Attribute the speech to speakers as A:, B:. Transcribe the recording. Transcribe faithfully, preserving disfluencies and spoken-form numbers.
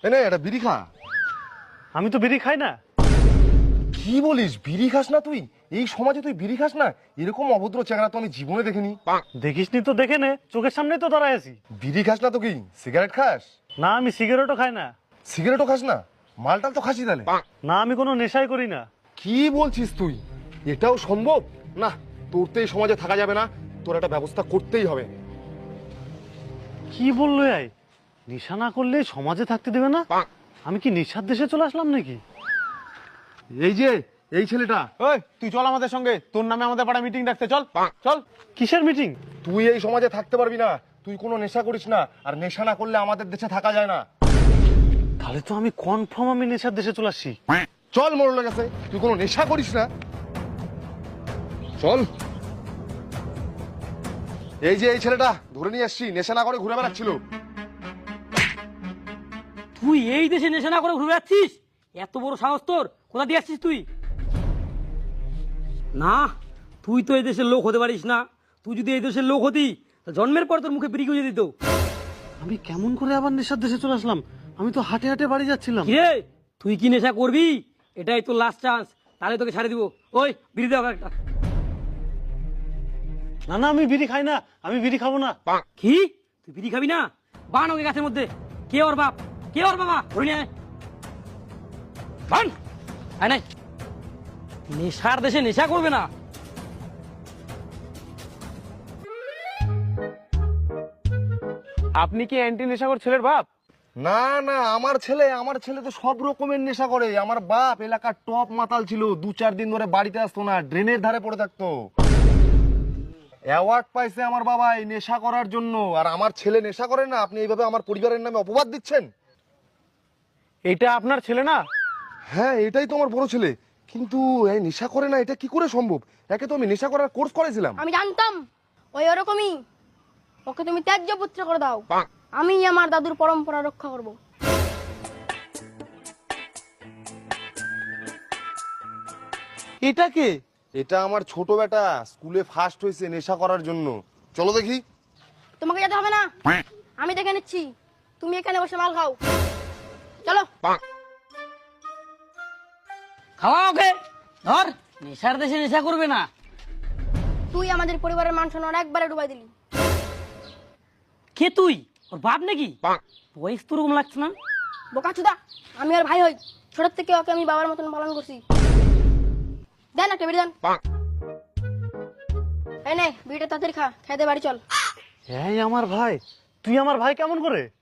A: এই নে এটা বিড়ি খা।
B: আমি তো বিড়ি খাই না।
A: কি বলিস, বিড়ি খাস না তুই? এই সমাজে তুই বিড়ি খাস না? এরকম অভদ্র চেহারা তো আমি জীবনে দেখিনি।
B: দেখিসনি তো, দেখে নে, চোখের সামনেই তো দাঁড়ায় আছি।
A: বিড়ি খাস না তো কি সিগারেট খাস?
B: না, আমি সিগারেটও খাই না।
A: সিগারেটও খাস না? মালটাল তো খাসি তাহলে?
B: না, আমি কোনো নেশাই করি না।
A: কি বলছিস তুই? এটাও সম্ভব না। তোর তো এই সমাজে থাকা যাবে না, তোর একটা ব্যবস্থা করতেই হবে।
B: কি বললো এই? নেশা না করলে সমাজে থাকতে দেবে না? আমি কি নেশার দেশে চলে আসলাম নাকি?
A: এই যে এই ছেলেটা,
C: ওই তুই চল আমাদের সঙ্গে, তোর নামে আমাদের পাড়া মিটিং ডাকতে, চল চল।
B: কিসের মিটিং?
A: তুই এই সমাজে থাকতে পারবি না। তুই কোনো নেশা করিস না, আর নেশা না করলে আমাদের দেশে থাকা যায় না।
B: তাহলে তো আমি কনফার্ম আমি নেশার দেশে চলে আসছি।
A: চল, মরলে গেছে, তুই কোনো নেশা করিস না, চল। এই যে এই ছেলেটা ধরে নিয়ে আসছি, নেশা না করে ঘুরে বেড়াচ্ছিল।
D: তুই এই দেশে নেশা না করে ঘুরে বেড়াচ্ছিস? এত বড় সাহস তোর! কোথা দিয়ে আসছিস তুই? না, তুই তো এই দেশের লোক হতে পারিস না। তুই যদি এই দেশের লোক হতি, তা জন্মের পর তোর মুখে বিড়ি গুঁজে দিত।
B: আমি কেমন করে আবার নেশার দেশে চলে আসলাম? আমি তো হাঁটে হাঁটে বাড়ি যাচ্ছিলাম।
D: কিরে, তুই কি নেশা করবি? এটাই তোর লাস্ট চান্স, তাহলে তোকে ছাড়ে দিব। ওই বিড়ি দাও একটা।
B: না না, আমি বিড়ি খাই না, আমি বিড়ি খাবো না।
D: কি? তুই বিড়ি খাবি না? বান ওকে গাছের মধ্যে। কে ওর বাপ? কে ওর বাবা? ধরে নিয়ে আয়। বান আয় নাই। নেশার দেশে নেশা করবে না।
C: আপনি কি অ্যান্টি নেশাখোর ছেলের বাপ?
A: না না, আমার ছেলে আমার ছেলে তো সব রকমের নেশা করে। আমার বাপ এলাকার টপ মাতাল ছিল, দু চার দিন ধরে বাড়িতে আসতো না, ড্রেনের ধারে পড়ে থাকতো। অ্যাওয়ার্ড পাইছে আমার বাবা এই নেশা করার জন্য, আর আমার ছেলে নেশা করে না। আপনি এইভাবে আমার পরিবারের নামে অপবাদ দিচ্ছেন।
C: এটা আপনার ছেলে না?
A: হ্যাঁ, এটাই তো আমার বড় ছেলে, কিন্তু এই নেশা করে না, এটা কি করে সম্ভব? একে তো আমি নেশা করার কোর্স করেছিলাম।
E: আমি জানতাম ওই ওরকমই। ওকে তুমি ত্যায্য পুত্র করে দাও, আমি আমার দাদুর পরম্পরা রক্ষা করব।
C: এটা কে?
A: এটা আমার ছোট বেটা, স্কুলে ফার্স্ট হয়েছে নেশা করার জন্য। চলো দেখি।
E: তোমাকে যেতে হবে না, আমি দেখে নিচ্ছি। তুমি এখানে বসে মাল খাও, চলো।
D: খাওয়া ওকে। ধর, নেশার দেশে নেশা করবে না।
E: তুই আমাদের পরিবারের মান সম্মান একবারে ডুবাই দিলি।
D: কে তুই? ওর বাপ নাকি? বয়স তো ওরকম লাগছে না।
E: বোকাচুদা, আমি আর ভাই হই। ছোট থেকে ওকে আমি বাবার মতন পালন করছি। দেন একটা বিড়ি দেন। এই নে বিড়িটা তাড়াতাড়ি খা, খেয়ে দে বাড়ি চল।
B: এই আমার ভাই? তুই আমার ভাই কেমন করে?